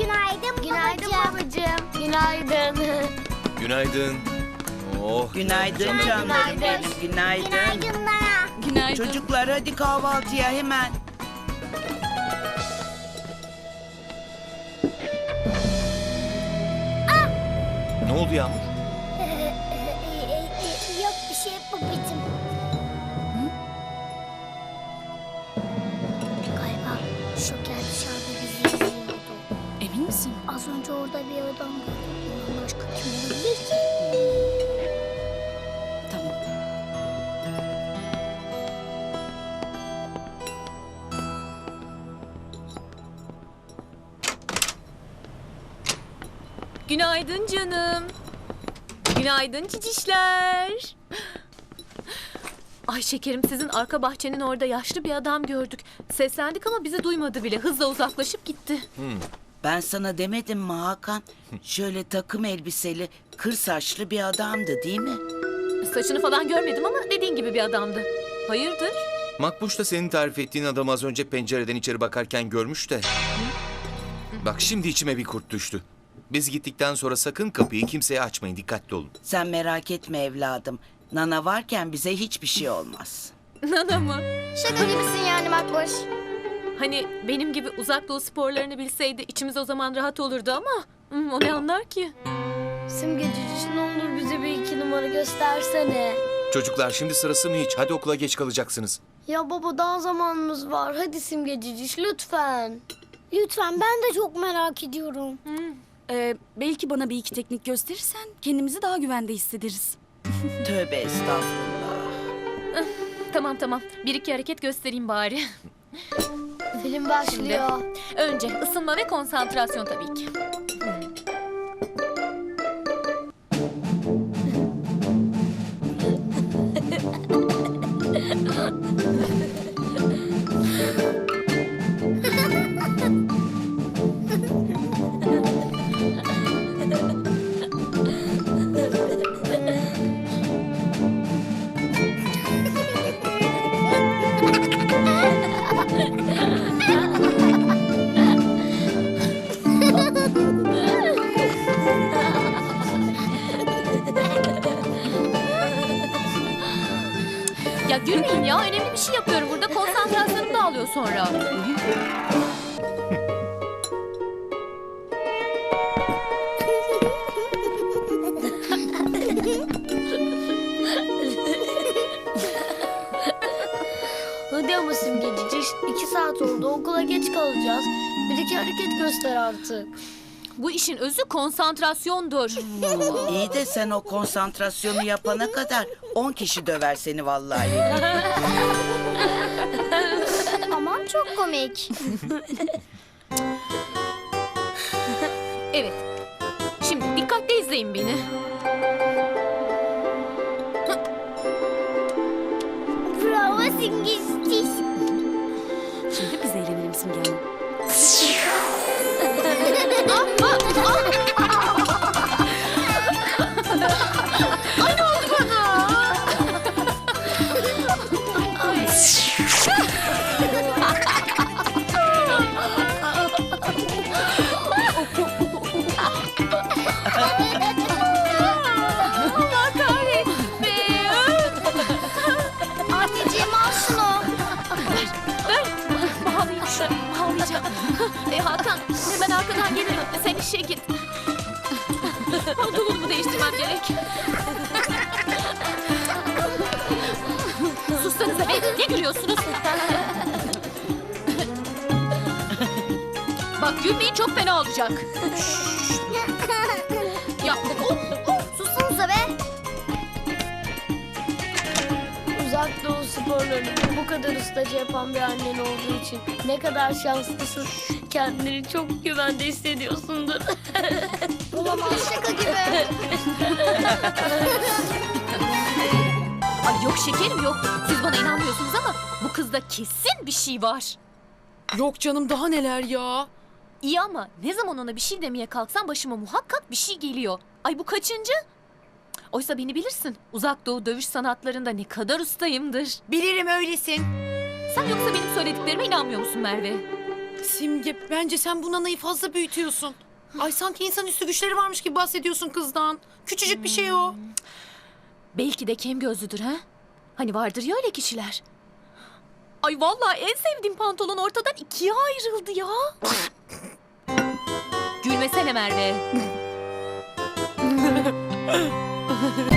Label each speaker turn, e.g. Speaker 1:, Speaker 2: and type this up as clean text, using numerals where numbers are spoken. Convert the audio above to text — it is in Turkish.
Speaker 1: Günaydın babacığım.
Speaker 2: Günaydın.
Speaker 3: Günaydın. Oh.
Speaker 4: Günaydın canlarım benim, günaydın.
Speaker 1: Günaydınlar.
Speaker 2: Günaydın.
Speaker 4: Çocuklar hadi kahvaltıya hemen.
Speaker 3: Ne oldu Yağmur?
Speaker 1: Yok bir şey babacığım. Galiba Şoker dışarıda bizi izliyordu.
Speaker 2: Emin misin?
Speaker 1: Az önce orada bir adam gördüm. Ondan başka kim olabilir ki?
Speaker 2: Tamam. Günaydın canım. Günaydın cicişler. Ay şekerim, sizin arka bahçenin orada yaşlı bir adam gördük. Seslendik ama bizi duymadı bile. Hızla uzaklaşıp gitti.
Speaker 4: Ben sana demedim mi Hakan? Şöyle takım elbiseli, kır saçlı bir adamdı değil mi?
Speaker 2: Saçını falan görmedim ama dediğin gibi bir adamdı. Hayırdır?
Speaker 3: Makbuş da senin tarif ettiğin adamı az önce pencereden içeri bakarken görmüş de. Bak şimdi içime bir kurt düştü. Biz gittikten sonra sakın kapıyı kimseye açmayın. Dikkatli olun.
Speaker 4: Sen merak etme evladım. Nana varken bize hiçbir şey olmaz.
Speaker 2: Nana mı?
Speaker 1: Şaka gibisin yani Makboş.
Speaker 2: Hani benim gibi uzak doğu sporlarını bilseydi içimiz o zaman rahat olurdu ama o ne anlar ki?
Speaker 5: Simgecici ne olur bize bir iki numara göstersene.
Speaker 3: Çocuklar şimdi sırası mı hiç? Hadi okula geç kalacaksınız.
Speaker 5: Ya baba daha zamanımız var. Hadi Simgecici lütfen.
Speaker 1: Lütfen, ben de çok merak ediyorum.
Speaker 6: Belki bana bir iki teknik gösterirsen kendimizi daha güvende hissederiz.
Speaker 4: Tövbe estağfurullah.
Speaker 2: Tamam. Bir iki hareket göstereyim bari.
Speaker 5: Film başlıyor.
Speaker 2: Önce ısınma ve konsantrasyon tabii ki. Ya gülmeyin ya, önemli bir şey yapıyorum burada. Konsantrasyonum dağılıyor sonra.
Speaker 5: Hadi ama Simgecici 2 saat oldu okula geç kalacağız. Bir iki hareket göster artık.
Speaker 2: Bu işin özü konsantrasyondur.
Speaker 4: İyi de sen o konsantrasyonu yapana kadar 10 kişi döver seni vallahi.
Speaker 1: Aman çok komik.
Speaker 2: Evet. Şimdi dikkatle izleyin beni.
Speaker 1: Bravo Simgecici.
Speaker 6: Şimdi biz eğlenelim Simge Hanım.
Speaker 2: Ay ne oldu bana? Allah kahretsin.
Speaker 1: Anneciğim al şunu.
Speaker 2: Ver. Bağlayayım şunu. Bağlayacağım. Hakan hemen arkadan gelirim. Sen işe git. Pantolonumu değiştirmem gerek. Sussanıza be. Ne gülüyorsunuz? Bak gülmeyin, çok fena olacak. Ya
Speaker 1: Sussanıza be.
Speaker 5: Uzak doğu sporlarını bu kadar ustaca yapan bir annen olduğu için ne kadar şanslısın. Kendini çok güvende hissediyorsundur.
Speaker 1: Olamaz, şaka gibi.
Speaker 2: Ay yok şekerim yok. Siz bana inanmıyorsunuz ama bu kızda kesin bir şey var.
Speaker 6: Yok canım daha neler ya.
Speaker 2: İyi ama ne zaman ona bir şey demeye kalksam başıma muhakkak bir şey geliyor. Ay bu kaçıncı? Oysa beni bilirsin. Uzak doğu dövüş sanatlarında ne kadar ustayımdır.
Speaker 7: Bilirim öylesin.
Speaker 2: Sen yoksa benim söylediklerime inanmıyor musun Merve?
Speaker 7: Simge bence sen bu nanayı fazla büyütüyorsun. Ay sanki insanüstü güçleri varmış gibi bahsediyorsun kızdan. Küçücük bir şey o.
Speaker 2: Belki de kem gözlüdür ha? Hani vardır ya öyle kişiler. Ay vallahi en sevdiğim pantolon ortadan ikiye ayrıldı ya. Gülmesene Merve.